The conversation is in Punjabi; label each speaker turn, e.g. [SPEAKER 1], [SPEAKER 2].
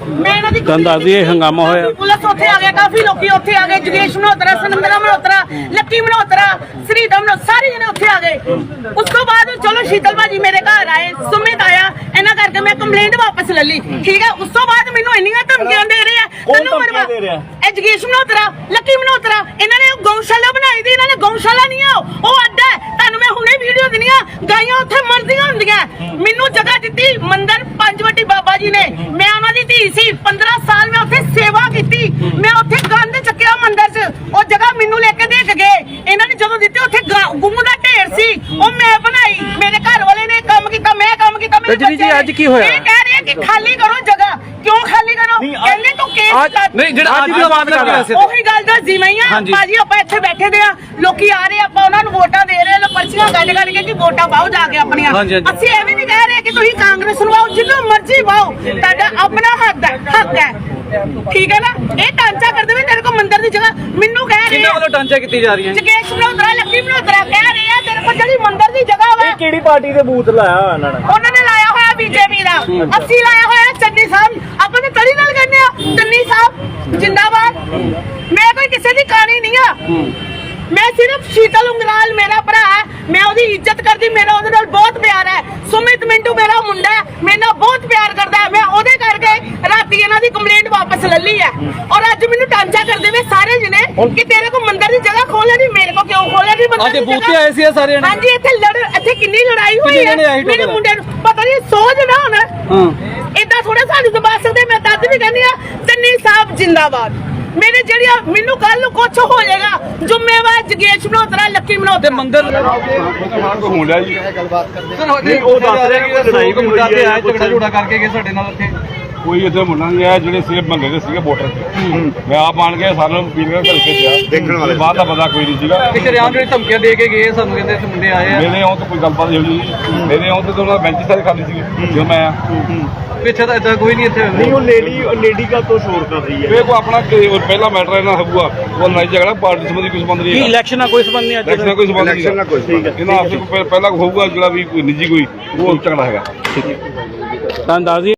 [SPEAKER 1] ਤੁਹਾਨੂੰ ਦੱਸ ਦਈਏ ਹੰਗਾਮਾ ਹੋਇਆ,
[SPEAKER 2] ਪੁਲਿਸ ਉੱਥੇ ਆ ਗਿਆ, ਕਾਫੀ ਲੋਕੀ ਉੱਥੇ ਆ ਗਏ, ਜਗੇਸ਼ ਮਨੋਤਰਾ, ਸੁਨੰਦਰਾ ਮਨੋਤਰਾ, ਲੱਕੀ ਮਨੋਤਰਾ, ਸ੍ਰੀਦਮ ਮਨੋਤਰਾ, ਸਾਰੇ ਜਣੇ ਉੱਥੇ ਆ ਗਏ। ਉਸ ਤੋਂ ਬਾਅਦ ਚਲੋ ਸ਼ੀਤਲ ਭਾਜੀ ਮੇਰੇ ਘਰ ਆਏ, ਸੁਮਿਤ ਆਇਆ, ਇਹਨਾਂ ਕਰਕੇ ਮੈਂ ਕੰਪਲੇਂਟ ਵਾਪਸ ਲੈ ਲਈ, ਠੀਕ ਹੈ। ਉਸ ਤੋਂ ਬਾਅਦ ਮੈਨੂੰ ਇੰਨੀਆਂ ਧਮਕੀਆਂ ਦੇ ਰਹੇ ਆ, ਤੈਨੂੰ ਮਰਵਾ ਜਗੇਸ਼ ਮਨੋਤਰਾ, ਲੱਕੀ ਮਨੋਤਰਾ, ਇਹਨਾਂ ਨੇ ਗਊਸ਼ਾਲਾ ਬਣਾਈ ਦੀ, ਇਹਨਾਂ ਨੇ ਗਊਸ਼ਾਲਾ ਨਹੀਂ ਆ, ਉਹ ਅੱਡਾ ਹੈ। ਤੁਹਾਨੂੰ ਮੈਂ ਹੁਣੇ ਵੀਡੀਓ ਦਿੰਦੀ ਆ, ਗਾਈਆਂ ਉੱਥੇ ਮਰਦੀਆਂ ਹੁੰਦੀਆਂ। ਮੈਨੂੰ ਜਗ੍ਹਾ ਦਿੱਤੀ ਮੰਦਰ ਪੰਜਵਟੀ ਬਾਬਾ ਜੀ ਨੇ, ਮੈਂ ਉਹਨਾਂ ਦੀ ਧੀ ਸੀ, 15 ਸਾਲ ਮੈਂ ਉੱਥੇ ਸੇਵਾ ਕੀਤੀ, ਮੈਂ ਉੱਥੇ ਗੰਦ ਚੱਕਿਆ ਮੰਦਰ 'ਚ, ਉਹ ਜਗ੍ਹਾ ਮੈਨੂੰ ਲੈ ਕੇ ਦੇ ਕੇ ਗਏ। ਇਹਨਾਂ ਨੇ ਜਦੋਂ ਦਿੱਤੇ ਉੱਥੇ ਗੁੰਮ ਦਾ ਢੇਰ ਸੀ, ਉਹ ਮੈਂ ਬਣਾਈ, ਮੇਰੇ ਘਰ ਵਾਲੇ ਨੇ ਕੰਮ ਕੀਤਾ, ਮੈਂ ਕੰਮ ਕੀਤਾ।
[SPEAKER 1] ਰਜਨੀ ਜੀ ਅੱਜ ਕੀ ਹੋਇਆ?
[SPEAKER 2] ਇਹ ਕਹਿ ਰਹੇ ਕਿ ਖਾਲੀ ਕਰੋ ਜਗ੍ਹਾ, ਕਿਉਂ ਖਾਲੀ ਕਰੋ? ਕਹਿੰਦੇ ਤੂੰ ਕੇਸ
[SPEAKER 1] ਨਹੀਂ ਜਿਹੜਾ ਅੱਜ ਦੀ ਬਾਤ ਕਰ ਰਿਹਾ ਸੀ,
[SPEAKER 2] ਉਹੀ ਗੱਲ ਦਾ ਜਿਵੇਂ ਹੀ ਆ ਭਾਜੀ, ਆਪਾਂ ਇੱਥੇ ਬੈਠੇ ਦੇ ਆ, ਲੋਕੀ ਆ ਰਹੇ, ਆਪਾਂ ਉਹਨਾਂ ਨੂੰ ਵੋਟਾਂ ਦੇ ਰਹੇ, ਲੋ ਪਰਚੀਆਂ ਕੱਢ ਕੱਢ ਕੇ ਕਿ ਵੋਟਾਂ ਪਾਓ ਜਾ ਕੇ ਆਪਣੀਆਂ। ਅਸੀਂ ਇਹ ਵੀ ਨਹੀਂ ਕਹਿ ਰਹੇ ਕਿ ਤੁਸੀਂ ਕਾਂਗਰਸ ਨੂੰ ਪਾਓ, ਜਿੰਨੂੰ ਮਰਜ਼ੀ ਪਾਓ, ਤੁਹਾਡਾ ਆਪਣਾ ਹੱਕ ਹੈ, ਠੀਕ ਹੈ ਨਾ। ਇਹ ਟਾਂਚਾ ਕਰਦੇ ਵੀ ਤੇਰੇ ਕੋਲ ਮੰਦਰ ਦੀ ਜਗ੍ਹਾ, ਮੈਨੂੰ ਕਹਿ ਰਹੇ ਆ
[SPEAKER 1] ਟਾਂਚਾ ਕੀਤੀ ਜਾ ਰਹੀ ਹੈ।
[SPEAKER 2] ਜਗੇਸ਼ ਮਨੋਤਰਾ, ਲੱਕੀ ਮਨੋਤਰਾ ਕਹਿ ਰਹੇ ਆ ਤੇਰੇ ਕੋਲ ਜਿਹੜੀ ਮੰਦਰ ਦੀ ਜਗ੍ਹਾ ਵਾ,
[SPEAKER 3] ਕਿਹੜੀ ਪਾਰਟੀ ਦੇ ਬੂਥ ਲਾਇਆ
[SPEAKER 2] ਉਹਨਾਂ ਨੇ ਲਾਇਆ ਹੋਇਆ ਬੀਜੇਪੀ ਦਾ, ਅਸੀਂ ਲਾਇਆ ਹੋਇਆ ਚੰਨੀ ਸਾਹਿਬ, ਆਪਾਂ ਨੇ ਤੜੀ ਨਾਲ ਕਹਿੰਦੇ ਆ ਚੰਨੀ ਸਾਹਿਬ ਜਿੰਦਾਬਾਦ। ਮੈਂ ਕੋਈ ਕਿਸੇ ਦੀ ਕਹਾਣੀ ਨਹੀਂ ਆ, ਮੈਂ ਸਿਰਫ ਸ਼ੀਤਲ ਉਂਗਰਾਲ ਮੇਰਾ ਭਰਾ ਹੈ, ਮੈਂ ਉਹਦੀ ਇੱਜ਼ਤ ਕਰਦੀ, ਮੇਰਾ ਉਹਦੇ ਨਾਲ ਬਹੁਤ ਪਿਆਰ ਹੈ। ਸੁਮਿਤ ਮਿੰਟੂ ਮੇਰਾ ਮੁੰਡਾ ਹੈ, ਮੇਰੇ ਨਾਲ ਬਹੁਤ ਪਿਆਰ ਕਰਦਾ ਹੈ, ਮੈਂ ਉਹਦੇ ਕਰਕੇ ਰਾਤੀ ਇਹਨਾਂ ਦੀ ਕੰਪਲੇਂਟ ਵਾਪਸ ਲੈ ਲਈ ਹੈ। ਔਰ ਅੱਜ ਮੈਨੂੰ ਟਾਂਚਾ ਕਰਦੇ ਵੇ ਸਾਰੇ ਜਣੇ ਕਿ ਤੇਰੇ ਕੋ ਮੰਦਰ ਦੀ ਜਗ੍ਹਾ ਖੋਲੇ ਨਹੀਂ, ਮੇਰੇ ਕੋ ਕਿਉਂ ਖੋਲੇ ਨਹੀਂ ਮੰਦਰ ਦੀ ਜਗ੍ਹਾ?
[SPEAKER 1] ਬੂਥੇ ਆਏ ਸੀ ਸਾਰੇ ਜਣੇ।
[SPEAKER 2] ਹਾਂਜੀ, ਇੱਥੇ ਕਿੰਨੀ ਲੜਾਈ ਹੋਈ ਹੈ, ਮੇਰੇ ਮੁੰਡੇ ਨੂੰ ਪਤਾ ਨਹੀਂ, ਸੋਚ ਨਾ ਹੁਣ ਏਦਾਂ ਥੋੜਾ ਸਾਨੂੰ ਦਬਾ ਸਕਦੇ। ਮੈਂ ਤਦ ਵੀ ਕਹਿੰਦੀ ਆ ਚੰਨੀ ਸਾਹਿਬ ਜਿੰਦਾਬਾਦ। ਮੇਰੇ ਜਿਹੜੀਆਂ ਮੈਨੂੰ ਕੱਲ ਨੂੰ ਕੁਛ ਹੋ ਜਾਏਗਾ, ਜ਼ਿੰਮੇਵਾਰ ਜਗੇਸ਼ ਮਨੋਤਰਾ, ਲੱਕੀ ਮਨੋਤਰਾ।
[SPEAKER 1] ਮੰਦਰ
[SPEAKER 4] ਹੋਣ ਲਿਆ ਜੀ,
[SPEAKER 1] ਉਹ ਦੱਸ ਰਿਹਾ ਕਿ ਲੜਾਈ ਕੋਈ ਮੁੰਡਾ ਤੇ ਆਇਆ, ਝਗੜਾ ਝੋੜਾ ਕਰਕੇ ਗਏ ਸਾਡੇ ਨਾਲ ਉੱਥੇ।
[SPEAKER 4] ਕੋਈ ਇੱਥੇ ਮੁੰਡਾ ਨਹੀਂ ਆਇਆ, ਜਿਹੜੇ ਸਿਰਫ ਬੰਦੇ ਦੇ ਸੀਗੇ ਵੋਟਰ। ਮੈਂ ਆਪ ਆਣ ਕੇ ਸਾਨੂੰ ਪੀਣ ਕੇ ਘਰ ਭੇਜਿਆ, ਦੇਖਣ ਵਾਲੇ ਬਾਅਦ ਦਾ ਪਤਾ ਕੋਈ ਨਹੀਂ ਸੀਗਾ।
[SPEAKER 1] ਇੱਕ ਰਿਆਮ ਜਿਹੜੀ ਧਮਕੀਆਂ ਦੇ ਕੇ ਗਏ ਸਾਨੂੰ, ਕਹਿੰਦੇ ਇੱਥੇ ਮੁੰਡੇ ਆਏ ਆ।
[SPEAKER 4] ਮੇਰੇ ਆਉਂ ਤਾਂ ਕੋਈ ਗੱਲਬਾਤ ਨਹੀਂ ਹੋਈ, ਮੇਰੇ ਆਉਂ ਤਾਂ ਉਹਨਾਂ ਬੈਂਚ ਸਾਰੇ ਖਾਲੀ ਸੀਗੇ ਜਦੋਂ ਮੈਂ ਆਇਆ।
[SPEAKER 1] ਪਿੱਛੇ ਤਾਂ ਏਦਾਂ ਕੋਈ ਨਹੀਂ ਇੱਥੇ।
[SPEAKER 3] ਨਹੀਂ, ਉਹ ਲੇਡੀ ਕਾ ਤੋਂ ਸ਼ੋਰ ਕਰ ਰਹੀ ਹੈ।
[SPEAKER 4] ਇਹ ਕੋਈ ਆਪਣਾ ਪਹਿਲਾ ਮੈਟਰ ਇਹਨਾਂ ਹੋਊਗਾ, ਉਹ ਲੜਾਈ ਝਗੜਾ ਪਾਰਟੀ ਸੰਬੰਧੀ ਕੋਈ ਸੰਬੰਧ ਨਹੀਂ ਹੈ।
[SPEAKER 1] ਇਲੈਕਸ਼ਨ ਨਾਲ ਕੋਈ ਸੰਬੰਧ ਨਹੀਂ,
[SPEAKER 4] ਇਲੈਕਸ਼ਨ ਨਾਲ ਕੋਈ ਸੰਬੰਧ ਨਹੀਂ, ਇਹਨਾਂ ਆਪਸੇ ਪਹਿਲਾਂ ਹੋਊਗਾ ਜਿਹੜਾ ਵੀ ਕੋਈ ਨਿੱਜੀ ਕੋਈ ਉਹ ਝਗੜਾ ਹੈਗਾ।
[SPEAKER 1] ਤੁਹਾਨੂੰ ਦੱਸ ਦਈਏ